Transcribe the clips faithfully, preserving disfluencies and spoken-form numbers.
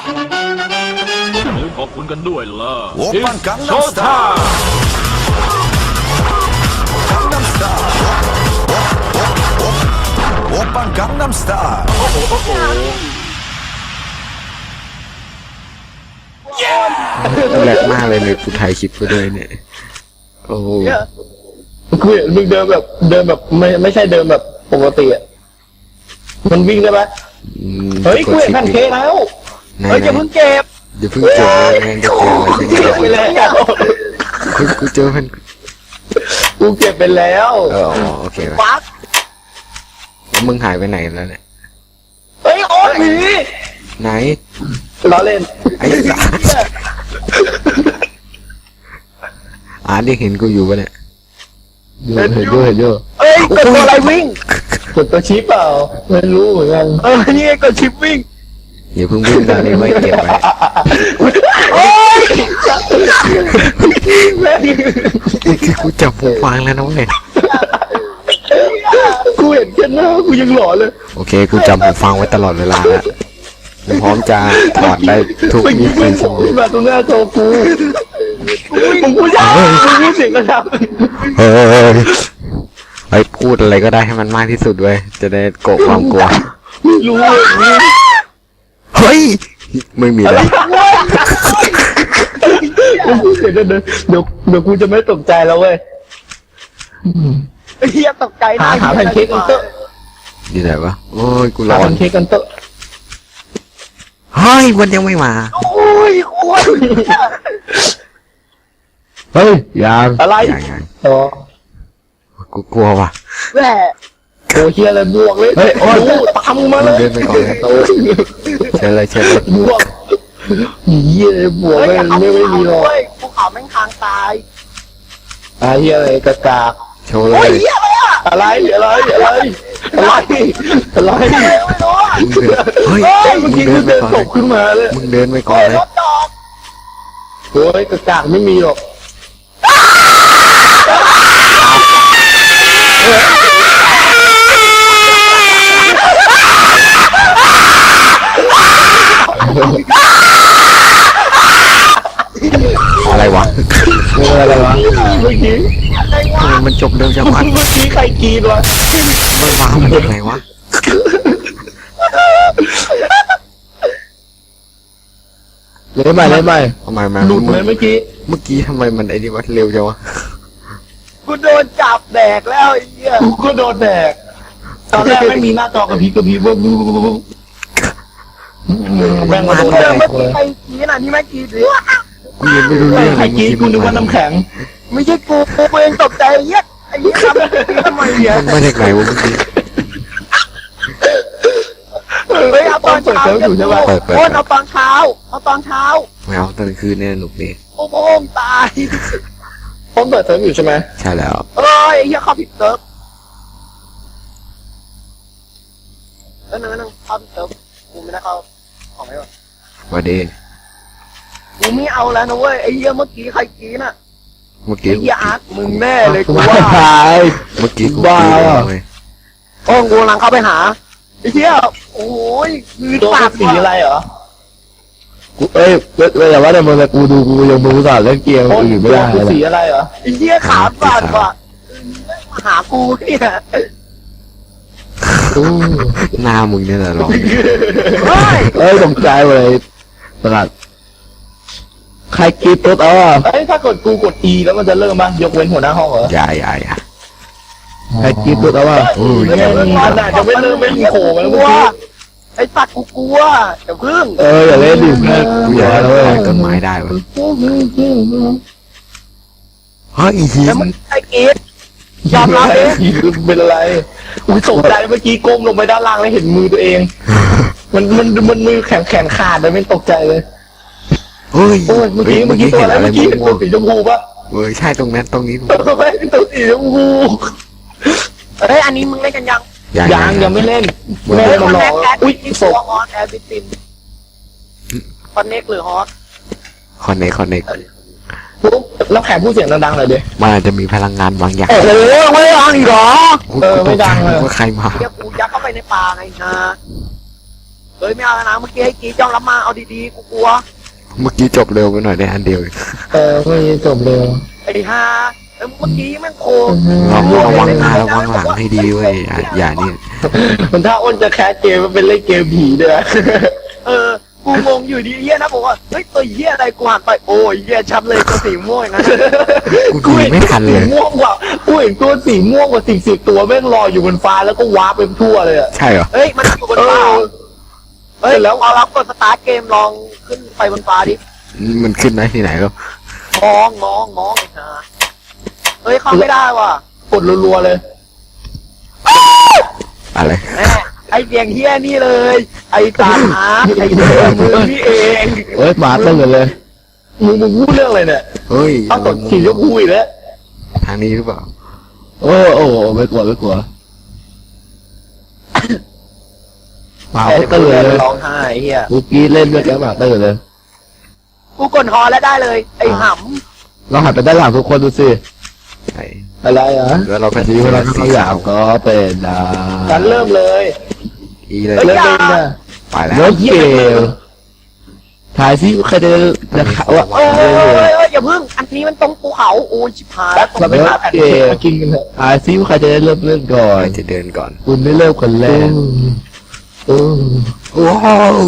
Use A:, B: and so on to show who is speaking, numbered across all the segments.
A: ลืมขอบคุณกันด้วยล่ะ
B: Oppan Gangnam
A: โชว์ท่า
B: Gangnam Style Oppan Gangnam Style
C: แหลกมากเลยเลยกูถ่ายคลิปไปด้วยเนี่ยโอ้โห
D: กูเห็นมึงเดินแบบเดินแบบไม่ไม่ใช่เดินแบบปกติอ่ะมันวิ่งได้ไหม
C: อืม
D: เฮ้ยกูเห็นแพนเค้กแล้วเฮ้ยอย่าเพิ่งเก็บ
C: เดี๋ยวเพิ่งเจอเลยแม่งจะเจออะไร
D: เก็บไปแล้ว
C: กูกูเจอมัน
D: กูเก็บไปแล้ว
C: เออโอเคไป
D: ปั๊ก
C: แล้วมึงหายไปไหนแล้วเนี่ย
D: เฮ้ยโอ๊ตหนี
C: ไหน
D: ล้อเล่น
C: ไอ้สัสอ่านได้เห็นกูอยู่ปะเนี่ย
D: เห็นอยู่เห็นอยู่เอ้ยกดตัวอะไรวิ่งกดตัวชิปเปล่าไม่รู้เหมือนกันเออนี่กดชิปวิ่ง
C: อย่าเพิ่งวิ่งตอนนี้ไม่เก็บไว้
D: โอ๊ยแม่ง
C: คือกูจับหูฟังแล้วนะเว้ย
D: กูเห็นแค่หน้ากูยังหลอนเลย
C: โอเคกูจำหูฟังไว้ตลอดเวลาแล้วกูพร้อมจะถอดได้ทุก
D: เมื่อ
C: ยี่
D: กี้
C: สิ
D: มึ
C: บ
D: ง
C: ชั่วโมง
D: มาตรงหน้าโตกูมึงพูดยากมึงพูดเสียงกระดับ
C: เฮ้ยไอ้พูดอะไรก็ได้ให้มันมากที่สุดเว้ยจะได้โกะความกลัว
D: ไม่รู้อย่างนี้
C: เฮ้ยไม่มีอะไร
D: มึงพูดเสียงเดินเดี๋ยวเดี๋ยวกูจะไม่ตกใจแล้วเว้ย
E: เฮียตกใจ
D: หาหาแพนเค้กกันเตอะ
C: นี่ไหนวะโอ้ยกู
D: หา
C: ร้อ
D: แพ
C: น
D: นเค้กกันเตอะ
C: เฮ้ยมันยังไม่มา
E: โอ้ยโอ้ย
D: เฮ้ยยัง อะไร
C: ยังยัง
D: อ๋อ
C: กูกลัวว่ะ
E: แม่
D: โอ้เฮียอะไรบวกเลยเฮ้ยโอ้ยตามมา
C: มึ
D: เล
C: ง
D: ย
C: เดินไปก่อนเลยเชิญเลยเชิญเลย
D: บวกเฮียอะไรบวก
E: เฮ้ย
D: เลย
E: อย่าเอา
D: ไม่ไม่มีหรอก
E: เว้ยภูเขาแม่งทางตาย
D: อ่ะเฮียอะไรกระกาก
C: โชว์เล
E: โอ้ย
C: ย
E: เฮียอะไรอ่ะ
D: อะไรอะไรอะไรอะไรอะไร
E: อะไรไม่รู้อ่ะ
C: มึงเดินเฮ้ย
D: เฮ้ยเมื่อ
C: มึ
D: กี้
C: งเดิ
D: กู
C: นไป
D: เดิน
C: ก่อน
D: ต
C: เลย
D: กขึ้นมาเลย
C: มึงเดินไปก่อน
E: เฮ้ย
C: เล
E: ร
C: ย
E: ถดอก
D: โอ้ยกระกากไม่มีหรอก
C: อะไรวะ
D: เอออะไรวะเมื่อกี้
C: ทำไมมันจบเร็วจังวะ
D: เมื่อกี้ใครกรีดวะ
C: มันวางมันยังไงวะ
D: เลยใหม่เลยใหม่
C: ทำไมมัน
D: หลุดเลยเมื่อกี้
C: เมื่อกี้ทำไมมันไอ้นี่วะเร็วจังวะ
E: กูโดนจับแดกแล้วไอ้เหี้ย
D: กูก็โดนแดกตอนแรกไม่มีหน้าจอกระพริบกระพริบบุ๊บบุ๊บบุ๊บแม่งมาโดน
E: เจ
D: แด
E: อก เมื่อ
D: เล
E: กี้
D: ย
E: ใครกี้น่ะนี่ไม่กี้หรือ
C: กูยังไม่รู้เรื่อง
D: ใครกรีดกูนึกว่าน้ำแข็ง
E: ไม่ใช่กูกูเองตกใจไอ้เหี้ยไอ้เหี้ยทำทำไมเนี่ย
C: มันมาจากไหนวะเมื่อกี้
E: เฮ้ยเอาตอนเช้า
D: เปิดเซิร์ฟอยู่ใช่ปะ
E: โอ้ยเอาตอนเช้าเอาตอนเช้า
C: ไม่เอาตอนคืนเนี่ยหนุกดี
E: โอ้โหตาย
D: ผมเปิดเซิร์ฟอยู่ใช่ไหม
C: ใช่แล้ว
E: เอ้ยไอ้เหี้ยเข้าผิดเซิร์ฟเออนั่งนั่งเข้าผิดเซิร์ฟกูไม่ได้เข้าของไม่หรอ
C: วันดี
E: กูไม่เอาแล้วนะเว้ยไอ้เหี้ยเมื่อกี้ใครกี้น่ะ
C: เมื่อกี้
E: ไอ้เหี้ยอาร์ตมึงแน่เลยกู
D: ว่า
E: ว่า
D: ตาย
C: เมื่อกี้กู
D: บ้า
C: กิน
D: เหรอ
C: เลย
E: โอ้กูกำลังเข้าไปหาไอ้เหี้ยโอ้ยมือ
D: ตัว
E: ปา
D: เป็
E: ก
D: นสีอะไรเหรอกูเอ้ยแต่ว่าในมือกูดูกูยังมือสั่นเล่นเกมอื่นไม่ได้เลยสีอะไรเหรอ
E: ไอ้เหี้ยขาปาดว่ะมาหากูเนี่ย
C: หน้ามึงเนี่ยแหละหรอ
E: เฮ้ย
D: เอ้ยตกใจเลยตลาดใครกรีดตุ๊ดเออเอ้ยถ้ากดกูกด E แล้วมันจะเริ่มมั้ยยกเว้นหัวหน้าห้องเหรอ
C: อย่าอย่าอย่า
D: ใครกรีดตุ๊ดเอาวะ
C: โอ้ย
D: ไม่ได้มันอาจจะไม่เริ่มไม่มีโขงแล้ว
E: ก
D: เมื่
E: ลั
D: อ
E: ว
D: กี้
E: ไอ้สัตว์กูกลัวเดี๋ยวพึ่ง
D: เอออย่าเล่นดิเพื่อน
C: กูอยากให้
D: เล
C: เรา
D: ย
C: ต่อยต้นไม้ได้วะเฮ้ยอีหิ
E: แล้ว
C: น
E: มึงไอ้กีดยอมรับเอง
D: เป็นอะไรอุ้ยตกใจเมื่อกี้ก้มลงไปด้านล่างแล้วเห็นมือตัวเอง มันมันมันมือแข็งแข็งขาดเลยไม่ตกใจเลย
C: เฮ้ย
D: โอ้ยเมื่อกี้เมื่อกี้ตัวอะไร
C: เห็น
D: เมื่อกี้เป็นตัวสีชมพูปะ
C: เฮ้ยใช่ตรงนั้นตรงนี้
D: เออไม่เป็นตัวสีชมพู
E: เฮ้ยอันนี้มึงเล่นกันยัง
D: ยังยังไม่เล่น
E: เฮ้
D: แม่
E: ยค
D: มัน
E: อน
D: ร
E: เน
D: อ
E: คแอด
D: อุ้ย
E: ที่
D: ศ
E: ตัว
D: พ
E: ฮอตแอดบิตินคอนเนคหรือฮอต
C: คอนเนคคอนเนค
D: ปุ๊บแล้วแขกพูดเสียงดังๆหน่อยดิ
C: มันอาจจะมีพลังงานบางอย่าง
D: โอ้โหไม่ดังอีกเหรอ
C: กู
D: เออ
C: กูต
D: ไม่
C: กใจ
D: ดังเลย
C: ว่าใครมา
E: เดี๋ยวกูยัดเข้าไปในป่าไงนะ
D: เ
E: เฮ้ยไม่เอานะเมื่อกี้ไอ้กีจ้องรับมาเอาดีๆกูกลัว
C: เมื่อกี้จบเร็วไปหน่อยได้อันเดียวเอง
D: เออไม่จบเร็ว
E: ไอ้ห่าเมื่อกี้แม่งโค
C: เราระวังหน้าระวังหลังให้ดีเว้ยอย่าอย่านี่
D: มันถ้าอ้นจะแคสเกมมันเป็นเล่นเกมผีด้วย
E: เออกูงงอยู่ดีเฮียนะบอกว่าเฮ้ยตัวเฮียอะไรกูหันไปโอ้ยเฮียชัดเลยตัวสีม่วงอย่างนั้น
C: กูหนีไม่ทันเลย
D: สีม่วงกว่ากูเห็นตัวสีม่วงกว่าสิบสิบตัวแม่งลอยอยู่บนฟ้าแล้วก็วาร์ปไปทั่วเลยอะ
C: ใช่เหรอ
E: เฮ้ยมันอยู่บน
D: เอ
E: ฟ้า
D: อ
E: เฮ้ยแล้วเอารับกดสตาร์ทเกมลองขึ้นไปบนฟ้าดิ
C: มันขึ้นได้ที่ไหนก็
E: มองมองมองไอ้ห่าเฮ้ยเข้าไม่ได้ว่ะ
D: กดรัวๆเลย
C: อะไร
E: แม่ไอเสียงเฮียนี่เลย ไอตาอาร์ตไอเดิมมือนี่เอง
D: เฮ้ยมาตั้งกันเลยมึงมึงพูดเรื่องอะไรเนี่ย
C: เฮ้ย
D: เอากดสีชมพูอีกแล้ว
C: ทางนี้หรือเปล่า
D: โอ้โอ้ไม่กลัวไม่กลัวมา
E: ไอ้
D: ตั้งเลย
E: ร้องไห้เฮีย
D: กูกี้เล่นด้วยแกมาตั้งเลย
E: กูกดฮอแล้วได้เลย ไอห
D: ลองหันไปด้านหลังทุกคนดูสิ
C: ใช่
D: อะไรอ่ะ
C: แล้วเราเป็น
D: สีเวลาเขาอยากก็เป็นดา
E: ำฉันเริ่มเลย
C: อีเลย
D: เล่นเล่นนะ
C: ไปแล้ว
D: เล่นเกมถ่ายซิใครจะจะข่าวว่า
E: เอ้ยเอ้ยเอ้ยเอ้ยอย่าพึ่ง อันนี้มันตรงภูเขาโอ้ยชิบหาย
D: เราไปหาแผ่นเกมมากินกันเถอะถ่ายซิใครจะได้เริ่มเล่นก่อน
C: ใครจะเดินก่อน
D: คุณไม่เริ่มคนแรกโอ้
C: ว้าว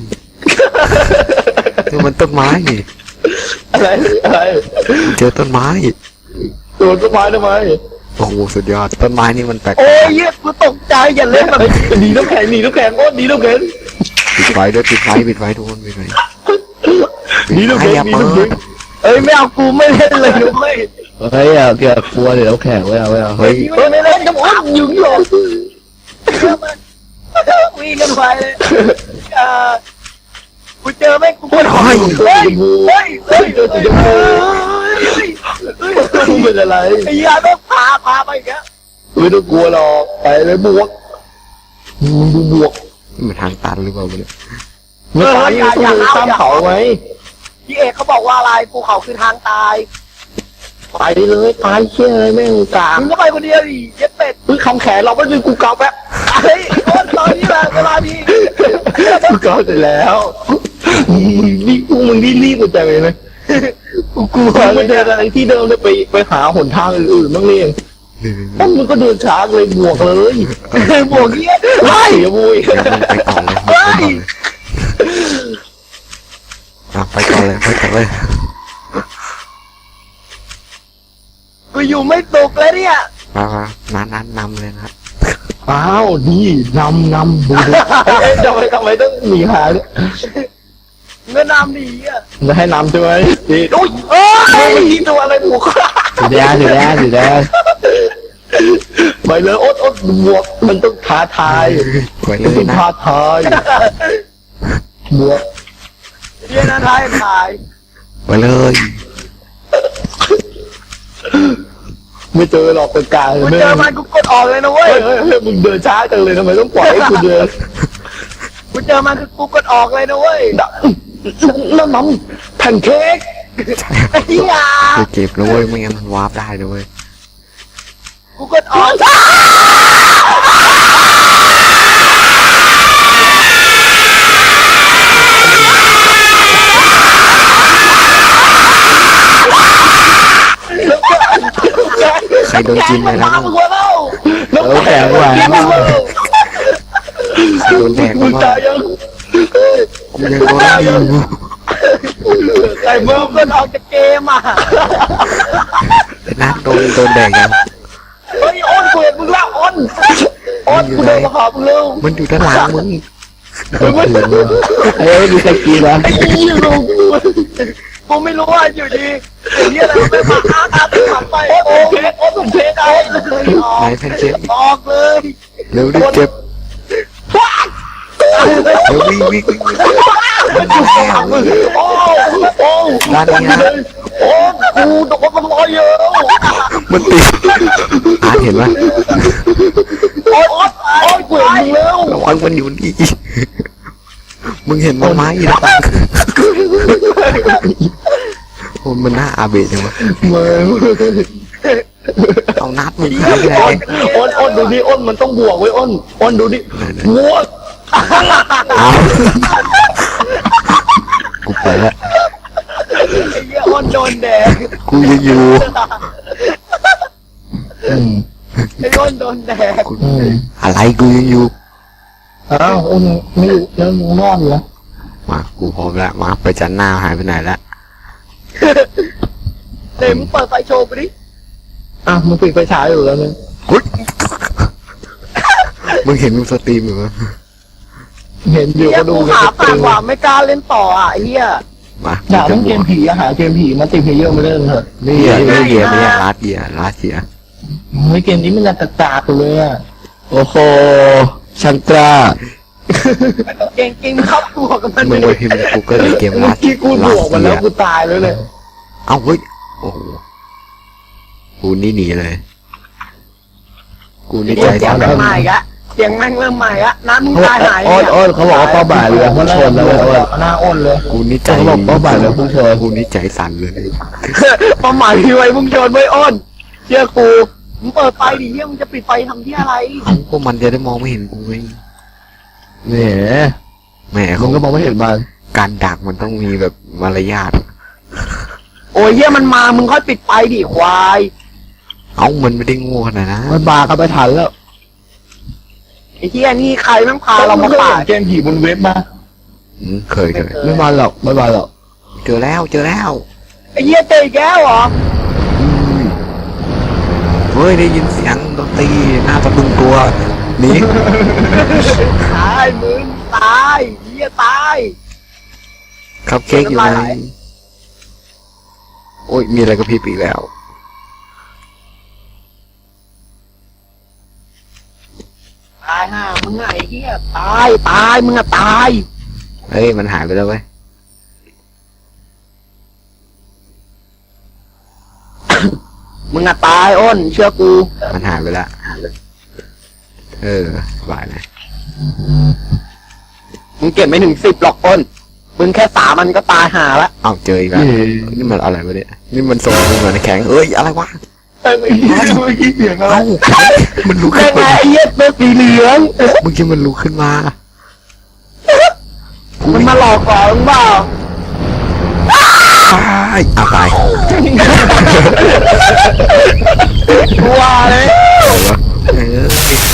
C: นี่มันต้นไม้นี่
D: อะไรอะไร
C: เจอต้นไม้
D: ตัวต้นไม้ทำไม
C: โอ้โหสุดยอดต้นไม้นี่มันแปลก
E: โอ้ยเหี้ยกูตกใจอย่าเล่นแบบนี้
D: หนีน้ำแข็งหนีน้ำแข็งโอ้หนีน้ำแข็ง
C: ปิดไฟด้วยปิดไฟปิดไฟทุกคนปิดไฟ
D: หนีน้ำ
C: ไฟ
D: แข็ง
C: อย่า
D: หนี
C: เปิ
D: น้ำแข็ง
C: ด
E: เอ้ยไม่เอากูไม่เล่นเลยนุ้ย
D: เฮ้ยอ่ะเกี่ยวกับกลัวเดี๋ยวน้ำแข็งไว้เอาไว้เอา
C: เฮ้ย
E: เฮ้ยไม่เล่นกับอ้นยุงหรอกวิ่งกันไปเลยเออกูเจอแม่งกูปวดหัว
D: เฮ้ย
E: เฮ้ยเฮ้ยเฮ้ย
D: เจอสีชมพู
E: เฮ้ย
D: มึงเป็นอะไร
E: ไอ้ยาแม่งพาพาไปอีกแล้ว
D: ไม่ต้องกลัวหรอกไปเลยบวกมึงดูบวก
C: มันทางตันหรือเปล่าเนี่ย
D: เมื่อตายยังต้องเลยข้ามเขาไหม
E: พี่เอกเขาบอกว่าอะไรภูเขาคือทางตาย
D: ไปเลยตายเชี่ยอะไรแม่งกลาง
E: มึงก็ไปคนเดียวดิเย็ดเป็ด
D: เฮ้ยคำแขนเราไม่ดูกูเกาแป๊บ
E: เฮ้ยโอ้ตอนนี้แหละเวลาดี
D: กูเกาเสร็จแล้วมึงนี่กูมึงนี่รีบกูจังเลยนะกูกลัวมันเดินอะไรที่เดิมเลยไปไปหาหนทางอื่นๆบ้างเนี่ยต้นมันก็เดินช้าเลยบวกเลย
E: บวกเงี้ย
D: ไล่บุย
C: เดี๋ยวมึงไปก่อนเลยมึงไปก่อนเลยอ่ะไปก่อนเลยไปก่อนเลย
E: กูอยู่ไม่ตกแล้วเนี่ย
C: มามานัดนัดนำเลยนะ
D: อ้าวนี่นำนำดูดูเอ๊ะทำไมทำไมต้องหนีหาเนี่ย
E: เงินนำดีอ่ะ
D: จะให้นำใช่ไหมดีโอ้ย
E: เอ้ย
D: เมื่อกี้ตัวอะไรบวกสีแดงสีแดงสีแดงไปเลยโอ๊ตโอ๊ตบวกมันต้องท้าทาย
C: ไปเล
D: มัน
C: ย
D: ต้อง
C: นะ
D: ท้าทายบวก
E: เรียนอะไรถ่าย
C: ไปเลย
D: ไม่เจอหรอกเป็นกลาง
E: กู
D: ไม่
E: เจอมันกูกดออกเลยนะเว้
D: เฮ้
E: ย
D: ยเฮ้ยเฮ้ยมึงเดินช้าจังเลยทำไมต้องปล่อยให้กูเดิน
E: กูเจอมันคือกูกดออกเลยนะเว้ย
D: น้ำน้ำแผ่นเค้ก
E: ไอ้เหี้ย
C: คือเจ็บนะเว้ยไม่งั้นมันวาร์ปได้นะเว้ย
E: กูกดออก
C: ใครโดนกินไปแล้ว
E: น้ำมึงวะเล่า
D: น้ำแข็งหวาน
E: น้ำมึงวะ
C: ใครโดนแดก
D: มึ
C: มาง บ้า
D: ตายยัง
C: กูยังโดนได้อยู่
D: ไอ้เมื่อ
E: กดออกจากเกมอ่ะ
C: แต่นัดโดนโดนแดกยัง
E: เฮ้ยอ้นกูเห็นมึงแล้วอ้นอ้นกูเดินมาหามึงเร็ว
C: มันอยู่ด้านหลังมึง
D: ไอ้ไม่มีใครกินนะ
E: ไอ้ยี่ลูกกูไม่รู้ว่าอยู่ดีไอ้เนี่ยอะไรไม่มาอ้าตาตึงหลังไปโอ้เพชรโอ้สมเพชรเอาเลยออก
C: ไหนแพนเค้ก
E: ออกเลย
C: เร็วดิเจ็บเร็ววิ่งวิ่งวิ่งวิ่ง
E: โอ้โอ้
C: ด้านนี้นะ
E: โอ้กูตกมันลอยเยอะ
C: มันติดอาร์ตเห็นไหม
E: โอ้ยโอ้ยกูเห็นมึงแล้ว
C: ระวังมันอยู่นี่มึงเห็นมันไหมนะโอ้มันน่าอาเบะจังวะ
D: เมื่อ
C: เอานัดมึงหายไปไหน
D: อ้นอ้นอ้นดูดิอ้นมันต้องบวกไว้อ้นอ้นดูดิบวก
C: เอากูไปละ
E: ไอ้เหี้ยอ้นโดนแดง
C: กูยังอยู่
D: อืม
E: ไอ้อ้นโดนแดง
C: กู
D: อืม
C: อะไรกูยังอยู่
D: อ้าวอ้นไม่อยู่แล้วมึงนอนอยู่แล้ว
C: มากูพร้อมแล้วมาไปจันหน้าหายไปไหนแล้ว
E: เดี๋ยวมึงเปิดไฟโชว์ไปดิ
D: อ่ะมึงปิดไฟฉายอยู่แล้วเนี่ย
C: อุ๊ยมึงเห็นมึงสตรีมอยู่มั้ย
D: เห็นอยู่
E: เหี้ย
D: ก็ดู
E: กูหาผ่านหว่าไม่กล้าเล่นต่ออ่ะไอ้เหี้ย
C: มา
D: อยากเล่นเกมผีอะหาเกมผีมาติดเพลเยอร์มาเล่นเถอะ
C: นี่อ่ะนี่เกียร์นี่ลาดเกียร์ลาดเกียร์
D: เฮ้ยเกมนี้มันจะตาๆเลยอะโอ้โหชันตรา
E: เก่งเก่งเข้าตัวกับมัน
C: มึง
E: เล
C: ไป
E: ย
C: พิมพ์ในกูเกิลเกม
D: เมื่
C: ลา
D: อ
C: ด
D: กี้กูบวกมันแล้วกูตายแล้วเลย
C: เอ้าเฮ้ยโอ้โหกูนี่หนีเลย กูนี่ใจ
E: เสียง
C: สั่น
E: แม่งใหม่ละเสียงแม่งเริ่มใหม่ละน้ำมึงตายหาย
D: อ้น
E: เนี่ย
D: อ้นเขาบอกว่าเป้าหมายเรือพุ่งชนแล้วอ้นหน้าอ้นเลย
C: กูนี่ใจ
D: เขาบอกเป้าหมายเรือพุ่งชน
C: กูนี่ใจสั่นเลย
E: เป้าหมายพี่ไว้มึงโยนไว้อ้นเชื่อกูมึงเปิดไฟดิเหี้ยมึงจะปิดไฟทำที่อะไร
C: พวกมันจะได้มองไม่เห็นกูไง
D: เนี่ย
C: แหม
D: มึ
C: เขา
D: งก็มองไม่เห็นมัน
C: การดักมันต้องมีแบบมารยาท
E: โอ้ยเหี้ยมันมามึงค่อยปิดไฟดิควาย
C: เอ้ามันไม่ได้โง่ขนาดนั้น
D: มันบากันไปทันแล้ว
E: ไอ้เหี้ยนี่ใครแม่งพาเรามาป่า
D: เกมผีบนเว็บมา
C: อืมเคยเคย
D: ไม่มาหรอกไม่มาหรอก
C: เจอแล้วเจอแล้ว
E: ไอ้เหี้ยเตะอีกแล้วเหรอ
C: เฮ้ยได้ยินเสียงดนตรีหน้าตะบึงตัวหนี่
E: ตายมึงตายเหี้ยตาย
C: คัพเค้กอยู่ไหน
E: น้ำลายไหล
C: โอ้ยมีอะไรกับพี่ปีกแล้ว
E: ตายห่ามึงไงไอ้เหี้ยตายตายมึงอะตาย
C: เฮ้ยมันหายไปแล้วเว้ย
E: มึงอะตายอ้นเชื่อกู
C: มันหายไปแล้วเออสบายเลย
E: มึงเก็บไม่ถึงสิบหรอกอ้นมึงแค่สามมันก็ตายห่าละ
C: เอ้าเจออีกแล้วนี่มันอะไรวะเนี่ยนี่มันส่งมึงมาในแข็งเอ้ยอะไรวะ
D: เอ้ยเมื่อกี้เสียงอะไร
C: เอ้ามันลุก
E: แม่
C: ขึ้น
E: งไง
C: มา
E: ไอ้เหี้ยเป็นสีเหลือง
C: เมื่อกี้มันลุกขึ้นมา
E: มันมาหลอกก่อนมึงเปล่า
C: ตายอ่ะตาย
E: กลัวเลย
C: เออ